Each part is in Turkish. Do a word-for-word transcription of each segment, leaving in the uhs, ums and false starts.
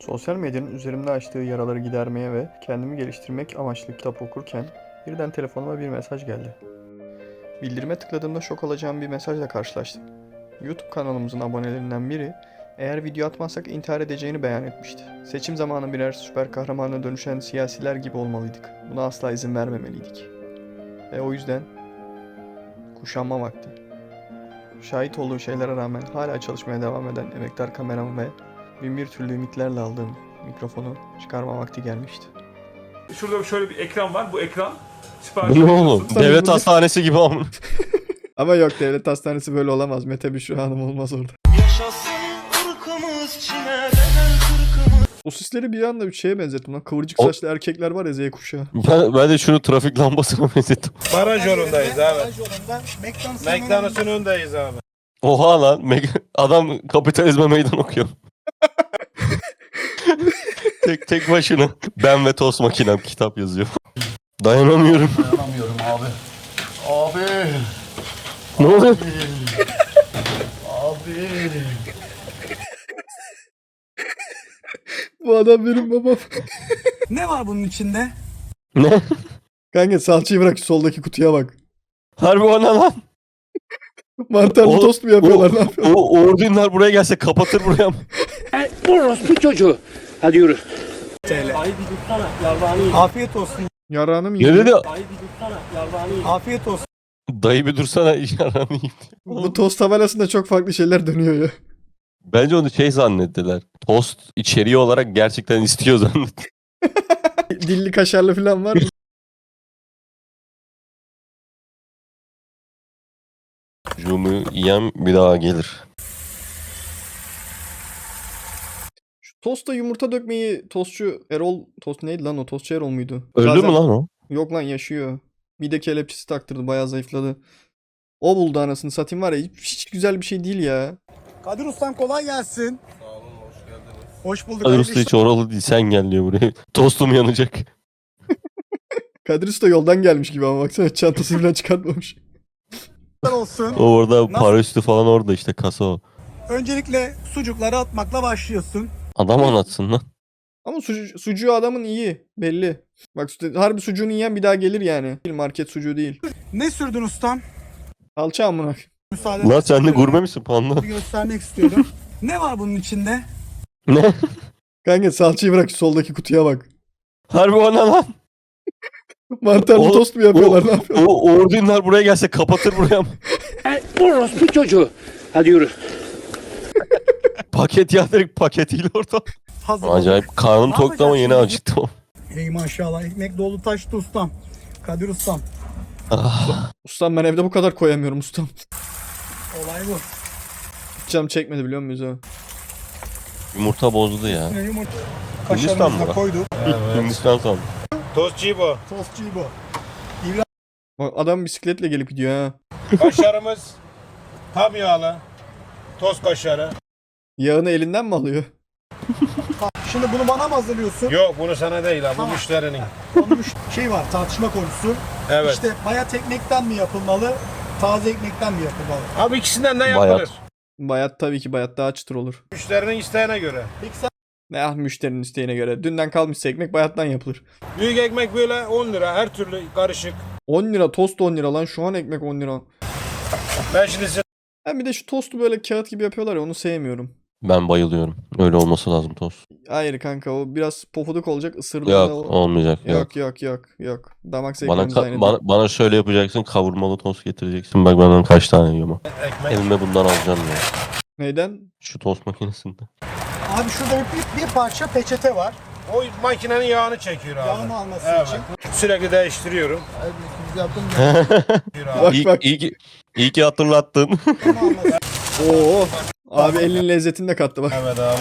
Sosyal medyanın üzerimde açtığı yaraları gidermeye ve kendimi geliştirmek amaçlı kitap okurken birden telefonuma bir mesaj geldi. Bildirime tıkladığımda şok olacağım bir mesajla karşılaştım. YouTube kanalımızın abonelerinden biri eğer video atmazsak intihar edeceğini beyan etmişti. Seçim zamanı birer süper kahramana dönüşen siyasiler gibi olmalıydık. Buna asla izin vermemeliydik. Ve o yüzden kuşanma vakti. Şahit olduğu şeylere rağmen hala çalışmaya devam eden emektar kameram ve bin bir türlü ümitlerle aldığım mikrofonu çıkarma vakti gelmişti. Şurada şöyle bir ekran var. Bu ekran Bu ne oğlum? Devlet hastanesi gibi ama. Ama yok, devlet hastanesi böyle olamaz. Mete Büşra Hanım olmaz orada. O sisleri bir anda bir şeye benzettim lan. Kıvırcık O- saçlı erkekler var ya, Z kuşağı. Ben, ben de şunu trafik lambasına benzettim. Baraj yolundayız abi. Baraj yolunda McDonald's'ın McDonald's'ın önündeyiz abi. Oha lan. Meg- adam kapitalizme meydan okuyor. tek tek başına. Ben ve tost makinem kitap yazıyor. Dayanamıyorum. Dayanamıyorum abi. Abi. Ne oluyor? Abi. Bu adam benim babam. Ne var bunun içinde? Ne? Kanka salçayı bırak, şu soldaki kutuya bak. Harbi o ne lan? Mantarlı O- tost mu yapıyorlar, ne yapıyorlar? O Uğur Dündar buraya gelse kapatır buraya. Orospu çocuğu. Hadi yürü. Afiyet olsun. Yarağını mı Ne yiyor? dedi? Afiyet olsun. Dayı bir dursana yaranı yiyeyim. Bu tost tabelasında çok farklı şeyler dönüyor ya. Bence onu şey zannettiler. Tost içeriği olarak gerçekten istiyor zannet. Dilli kaşarlı falan var mı? Cumu yiyem bir daha gelir. Şu tosta yumurta dökmeyi tostçu Erol... Tost neydi lan o? Tostçu Erol muydu? Öldü Zaten- mü lan o? Yok lan, yaşıyor. Mide kelepçesi taktırdı, bayağı zayıfladı. O buldu anasını satayım, var ya, hiç, hiç güzel bir şey değil ya. Kadir Ustam kolay gelsin. Sağ olun, hoş geldiniz. Hoş bulduk. Kadir hayırlı Usta hiç işler oralı değil, sen gel diyor buraya. Tostum yanacak. Kadir Usta yoldan gelmiş gibi ama baksana, çantası falan çıkartmamış. olsun. O orada Nasıl? para üstü falan orada işte kasa o. Öncelikle sucukları atmakla başlıyorsun. Adam anlatsın lan. Ama sucu, sucuğu adamın iyi, belli. Bak işte, harbi sucuğunu yiyen bir daha gelir yani. Market sucuğu değil. Ne sürdün ustam? Alça amına. Müsaade Lan sen de gurme misin panda? bir göstermek istiyorum. Ne var bunun içinde? Ne? Kanka salçayı bırak, şu soldaki kutuya bak. Harbi o ne lan? Mantarlı O- tost mu yapıyorlar, ne yapıyorlar? O Uğur Dündar buraya gelse kapatır buraya. Orospu çocuğu. Hadi yürü. Paket ya, direkt paketiyle orada. Hazır. Acayip karnım Ne toktu ama yeni yapacaksın? acıktım. Ey maşallah, ekmek dolu taştı ustam. Kadir Ustam. Ah, Ustam ben evde bu kadar koyamıyorum ustam. Olay bu. Canım çekmedi, biliyor muyuz o? yumurta bozdu ya. Yine yumurta Hindistan kaşarımızı mı? da koyduk. Hindistan sandım. Tostçu bu. Tostçu bu. Bak adam bisikletle gelip gidiyor ha. Kaşarımız tam yağlı. Tost kaşarı. Yağını elinden mi alıyor? Şimdi bunu bana mı hazırlıyorsun? Yok bunu sana değil abi. Bu Tamam. müşterinin. Onun bir şey var, tartışma konusu. Evet. İşte bayat ekmekten mi yapılmalı, taze ekmekten mi yapılmalı? Abi ikisinden de Bayat. yapılır. Bayat, tabii ki bayat daha çıtır olur. Müşterinin isteğine göre. Peki sen Ne ah, müşterinin isteğine göre. Dünden kalmışsa ekmek bayattan yapılır. Büyük ekmek böyle on lira. Her türlü karışık. on lira tost, on lira lan, şu an ekmek on lira. Ben şimdi size Ben bir de şu tostu böyle kağıt gibi yapıyorlar ya, onu sevmiyorum. Ben bayılıyorum. Öyle olması lazım tost. Hayır kanka, o biraz pofuduk olacak, ısırdığında Yok o... olmayacak. Yok. Yok yok yok yok. Damak Bana, zevklerimiz ka- aynı değil. bana, bana şöyle yapacaksın, kavurmalı tost getireceksin. Bak ben kaç tane yiyorum. ekmek. Elime bundan alacağım ya. Neyden? Şu tost makinesinde. abi şurada bir, bir parça peçete var. O makinenin yağını çekiyor abi. Yağını alması Evet. için. Sürekli değiştiriyorum. Biz yaptım Çekiyor abi. Bak İyi, bak. iyi, ki, iyi ki hatırlattın. yağını alması. Oo. Abi elinin lezzetini de kattı bak. Evet abi.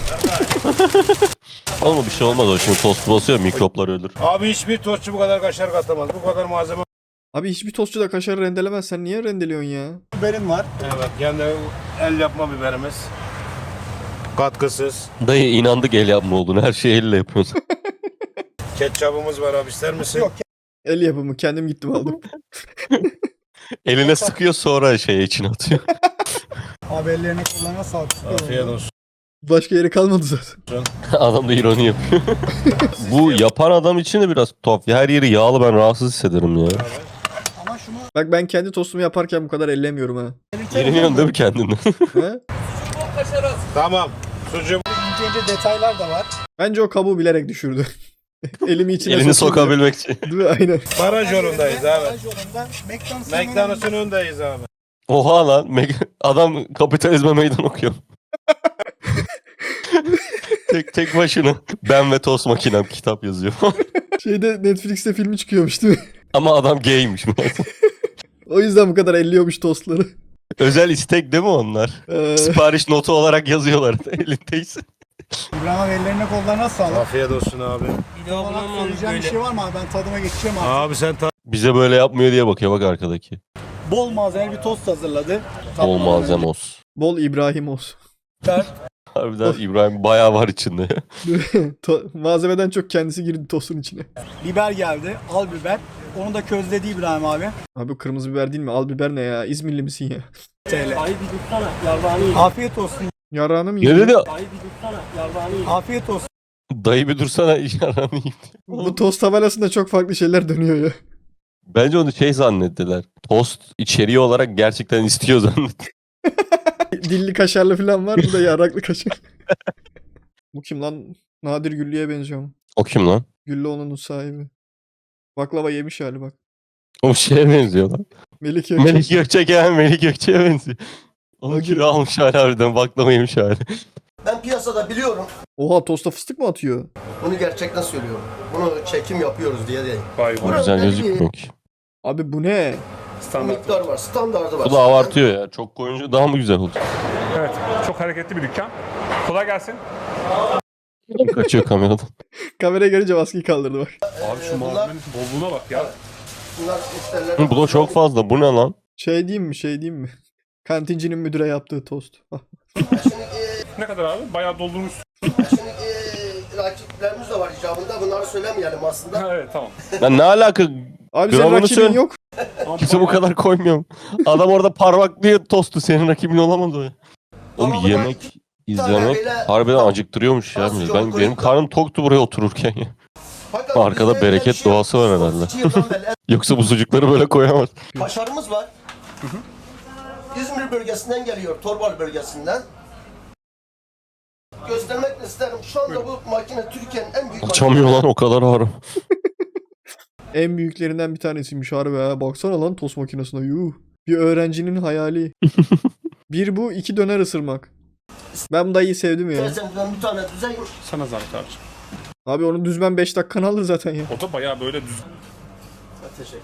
Olma bir şey olmaz o, şimdi tost basıyor mikroplar ölür. Abi hiçbir tostçu bu kadar kaşar katamaz. Bu kadar malzeme. Abi hiçbir tostçu da kaşarı rendelemez. Sen niye rendeliyorsun ya? Biberin var. Evet. Kendi el yapma biberimiz. Katkısız. Dayı inandık el yapma olduğunu, her şeyi elle yapıyorsun. Ketçabımız var abi, ister misin? Yok. El yapımı, kendim gittim aldım. Eline sıkıyor sonra şey içine atıyor. Abi ellerine kullanma sağlık. Afiyet olsun. Başka yeri kalmadı zaten. Adam da ironi yapıyor. Bu yapan adam için de biraz tuhaf. Her yeri yağlı, ben rahatsız hissederim ya. Ama şunu Bak ben kendi tostumu yaparken bu kadar ellemiyorum ha. Yeriniyorsun değil mi kendinden? He? Tamam. Sucuk. ince ince detaylar da var. Bence o kabuğu bilerek düşürdü. Elimi içine Elini sokayım sokabilmek için. diye. Değil mi? Aynen. Baraj yolundayız abi. Baraj yolunda McDonald's'ın McDonald's'ın önündeyiz abi. Oha lan. me- Adam kapitalizme meydan okuyor. tek tek başına. Ben ve tost makinem kitap yazıyor. Şeyde Netflix'te filmi çıkıyormuş değil mi? Ama adam gaymiş. O yüzden bu kadar elliyormuş tostları. Özel istek değil mi onlar? Ee, Sipariş notu olarak yazıyorlar elindeyse. İbrahim abi ellerine kollarına sağlık. Afiyet olsun abi. Bir olarak söyleyeceğim bir şey var mı abi? Ben tadıma geçeceğim abi. Abi sen ta- Bize böyle yapmıyor diye bakıyor bak arkadaki. Bol malzemeli bir tost hazırladı. Bol malzeme olsun. bol İbrahim olsun. Harbiden İbrahim bayağı var içinde. To- malzemeden çok kendisi girdi tostun içine. Biber geldi. Al biber. Onu da közledi İbrahim abi. Abi kırmızı biber değil mi? Al biber ne ya? İzmirli misin ya? T L. Afiyet olsun. Yarağını mı Ne yedin? dedi? Afiyet olsun. Dayı bir dursana yaranı yiyeyim. Bu tost tabelasında çok farklı şeyler dönüyor ya. Bence onu şey zannettiler. Tost içeriği olarak gerçekten istiyor zannettiler. Dilli kaşarlı falan var. Bu da yaraklı kaşar. Bu kim lan? Nadir Güllü'ye benziyor. O kim lan? Güllü onun sahibi. Baklava yemiş hali bak. O şeye benziyor lan. Melik Gökçek. Melik Gökçek ya Melik Gökçek'e benziyor. Onu Hadi. kilo almış hali harbiden baklava yemiş hali. Ben piyasada biliyorum. Oha tosta fıstık mı atıyor? Bunu gerçekten söylüyorum. Bunu çekim yapıyoruz diye değil. Vay O vay. güzel gözükmüyor ki. Abi bu ne? Standart. Miktar var, standardı var. Bu da abartıyor ya. Çok koyunca daha mı güzel olacak? Evet. Çok hareketli bir dükkan. Kolay gelsin. Kaçıyor kameradan. Kameraya görünce maskeyi kaldırdı bak. Abi şu malzemenin bolluğuna bak ya. Bunlar müşteriler. Hı, Bu da çok fazla. Bu ne lan? Şey diyeyim mi şey diyeyim mi? Kantincinin müdüre yaptığı tost. Ah. Şimdi, e, Ne kadar abi? Bayağı doldurmuş. şimdi e, rakiplerimiz de var icabında. Bunları söylemeyelim aslında. Evet tamam. Lan ne alaka? Abi senin Gramını rakibin söyle. yok. Kimse bu kadar koymuyor. Adam orada parmaklıyor tostu. Senin rakibin olamaz o ya. Oğlum Ama bu da yemek iki izlemek böyle- harbiden acıktırıyormuş ya. Az çok Ben, benim koyup da- karnım toktu buraya otururken ya. Fakat Arkada bizde öyle bereket bir şey yok. doğası var herhalde. Otuz iki yıldan beri Yoksa bu sucukları böyle koyamaz. kaşarımız var. İzmir bölgesinden geliyor, Torbalı bölgesinden. Göstermek isterim. Şu anda bu makine Türkiye'nin en büyük Açamıyor lan o kadar ağır. En büyüklerinden bir tanesiymiş harbi ha. Baksana lan tost makinesine. Yuh. Bir öğrencinin hayali. Bir bu, iki döner ısırmak. Ben bu dayıyı sevdim ya. makinesinden bir tane düzeyim. Sana zahmet abi. Abi onu düzmen beş dakikanı alır zaten ya. O da bayağı böyle düz. Teşekkür.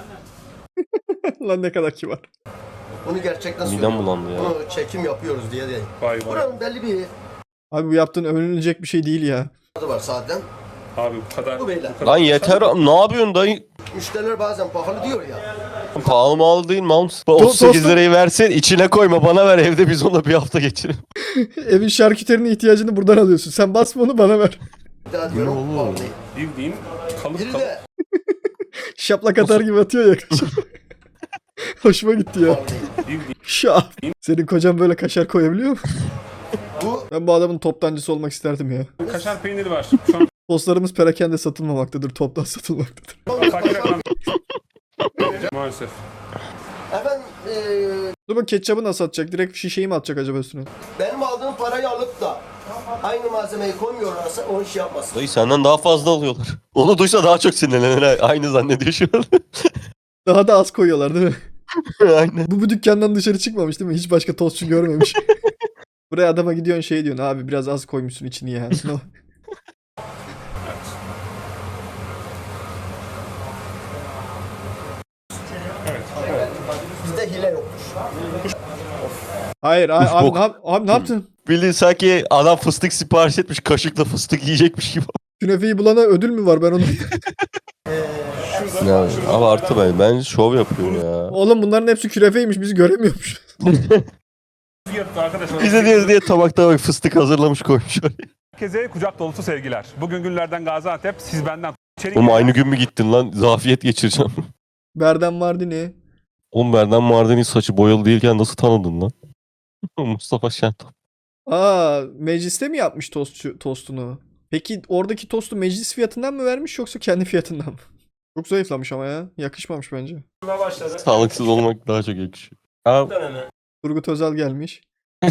Lan ne kadar kibar. Bunu gerçekten Midem söylüyorum. bulandı ya. Bunu çekim yapıyoruz diye değil. Vay vay. Buranın belli bir Abi bu yaptığın övünülecek bir şey değil ya. adı var zaten. Abi bu kadar. Bu beyler. bu kadar- Lan yeter. Ne yapıyorsun dayı? Müşteriler bazen pahalı diyor ya. Pahalı mal değil mal. otuz sekiz dostum- lirayı versin içine koyma bana ver evde biz onunla bir hafta geçirelim. Evin şarküterinin ihtiyacını buradan alıyorsun. Sen basma onu bana ver. Bir daha diyorum pahalı değil. Bildiğin kalıp Biri kalıp. de Şaplak atar gibi atıyor ya kaşar. Hoşuma gitti ya. pahalı değil. Bildiğin. Şap. Senin kocan böyle kaşar koyabiliyor mu? Bu Ben bu adamın toptancısı olmak isterdim ya. Kaşar peyniri var. Şu an Tostlarımız perakende satılmamaktadır. Toptan satılmaktadır. fakir ekran. Maalesef. efendim eee Dur bak ketçabı nasıl atacak? Direkt şişeyi mi atacak acaba üstüne? benim aldığım parayı alıp da aynı malzemeyi koymuyorlarsa o iş yapmasın. Dayı senden daha fazla alıyorlar. Onu duysa daha çok sinirlenir. ha. Aynı zannediyor şu an. Daha da az koyuyorlar değil mi? Aynen. Bu bu dükkandan dışarı çıkmamış değil mi? Hiç başka tostçu görmemiş. Buraya adama gidiyorsun şey diyorsun abi biraz az koymuşsun içini ya. No. Bizde hile yoktur. Hayır abi, Uf, abi, bok. ne, yap- abi ne yaptın? Bildiğin sanki adam fıstık sipariş etmiş kaşıkla fıstık yiyecekmiş gibi. Künefeyi bulana ödül mü var ben onu? Ya, abi artı ben. Bence şov yapıyor ya. Oğlum bunların hepsi künefeymiş bizi göremiyormuş. Fiyatı arkadaşlar. Bize diye diye tabakta bak fıstık hazırlamış koymuş oraya. Herkese kucak dolusu sevgiler. Bugün günlerden Gaziantep. Siz benden içeri Oğlum girin. aynı gün mü gittin lan? Zafiyet geçireceğim. Berden Mardini. Oğlum Berdan Mardin'in saçı boyalı değilken nasıl tanıdın lan? Mustafa Şentop. Aa, mecliste mi yapmış tostçu, tostunu? Peki oradaki tostu meclis fiyatından mı vermiş yoksa kendi fiyatından mı? Çok zayıflamış ama ya. Yakışmamış bence. Sağlıksız olmak daha çok yakışıyor. Abi, Turgut Özal gelmiş.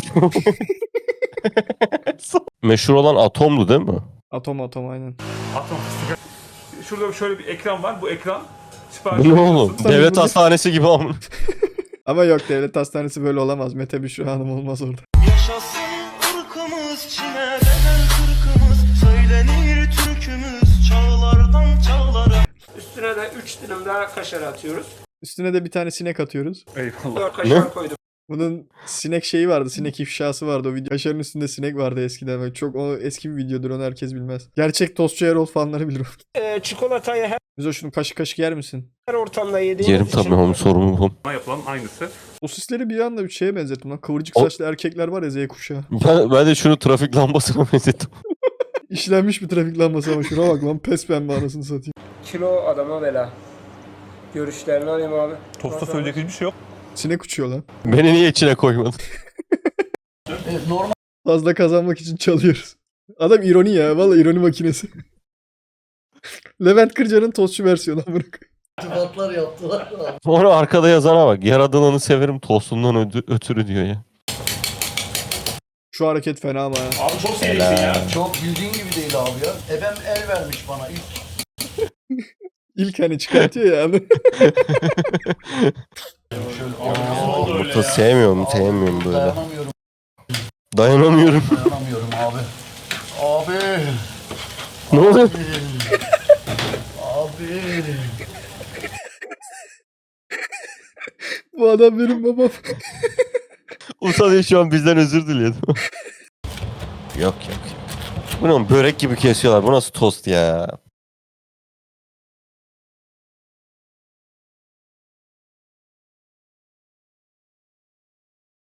meşhur olan Atom'du değil mi? Atom atom aynen. Atom fıstık. Şurada şöyle bir ekran var. Bu ekran sipariş Bu ne oğlum? veriyorsun. Devlet hastanesi gibi ama. Ama yok, devlet hastanesi böyle olamaz. Mete Büşra Hanım olmaz orada. Yaşasın ırkımız, çine bedel kırkımız, söylenir türkümüz çağlardan çağlara. Üstüne de üç dilim daha kaşar atıyoruz. Üstüne de bir tane sinek atıyoruz. Eyvallah. dört kaşar koydum. Bunun sinek şeyi vardı. Sinek ifşası vardı. O video. Kaşarın üstünde sinek vardı eskiden. Böyle çok o eski bir videodur. Onu herkes bilmez. Gerçek tostçu Erol fanları bilir. Ee, çikolatayı her Müzo şunu kaşık kaşık yer misin? ortamda yediğimiz Yerim tabii oğlum, sorumlu bu. Bana yapılan aynısı. Sosisleri bir anda bir şeye benzettim lan. Kıvırcık O- saçlı erkekler var ya, Z kuşağı. Ben, ben de şunu trafik lambasına benzettim. İşlenmiş bir trafik lambası ama şuna bak lan, pes pembe anasını satayım. kilo adama bela. Görüşlerini alayım abi. Tosta söyleyecek hiçbir şey yok. Sinek uçuyor lan. Beni niye içine koymadın? Fazla kazanmak için çalıyoruz. Adam ironi ya. Vallahi ironi makinesi. Levent Kırca'nın tostçu versiyonu amına koyayım. İrtibatlar yaptılar. Onu arkada yazana bak. Yaradananı severim tostundan ödü- ötürü diyor ya. Şu hareket fena ama. ha. Abi çok serisin ya. Çok bildiğin gibi değil abi ya. Ebem el vermiş bana ilk. İlk hani çıkartıyor ya. Yumurta sevmiyorum, sevmiyorum böyle. Dayanamıyorum, Dayanamıyorum. dayanamıyorum abi. Abi. Ne oluyor? Abi. Bu adam benim babam. Utanıyor şu an, bizden özür diliyor. Yok yok. Bu ne oğlum, börek gibi kesiyorlar. Bu nasıl tost ya?